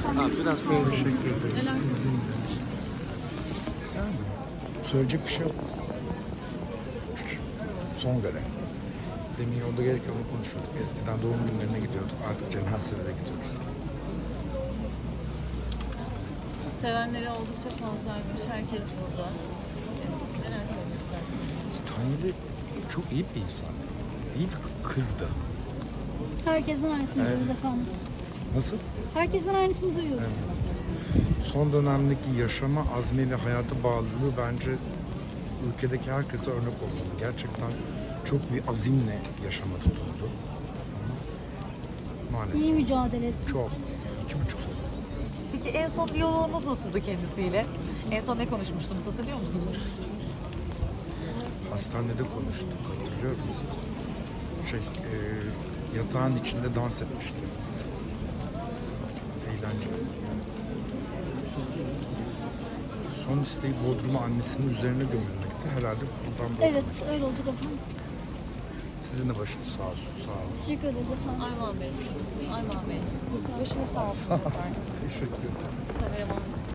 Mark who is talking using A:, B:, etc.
A: Biraz böyle
B: Teşekkür ederim.
C: Neler?
B: Yani söyleyecek bir şey yok. Son görev. Demin yolda gelirken onu konuşuyorduk. Eskiden doğum günlerine gidiyorduk. Artık cenazelere gidiyoruz.
C: Sevenleri oldukça fazlaymış. Herkes burada. Neler söylemek istersiniz?
B: Tanrı çok iyi bir insan. İyi bir kızdı.
D: Herkesten aynısını
B: Evet.
D: duyuyoruz efendim.
B: Nasıl?
D: Herkesten aynısını duyuyoruz.
B: Son dönemdeki yaşama azmi ve hayata bağlılığı bence ülkedeki herkese örnek olmalı. Gerçekten çok bir azimle yaşama tutundu. Ama maalesef
D: İyi mücadele etti.
B: çok. 2,5 sene.
A: Peki en son diyaloğunuz nasıldı kendisiyle? En son ne konuşmuştunuz hatırlıyor musunuz?
B: Hastanede konuştuk, hatırlıyorum. Yatağın içinde dans etmişti. Eğlenceli. Son isteği Bodrum'a annesinin üzerine gömülmekti. Herhalde buradan Bodrum'a.
D: Evet, öyle olacak efendim.
B: Sizin de başınız sağ olsun, sağ olun.
D: Teşekkür ederiz efendim.
C: Armağan Bey. Armağan Bey.
A: Başınız sağ olsun.
B: Teşekkür ederim.
C: Kameraman.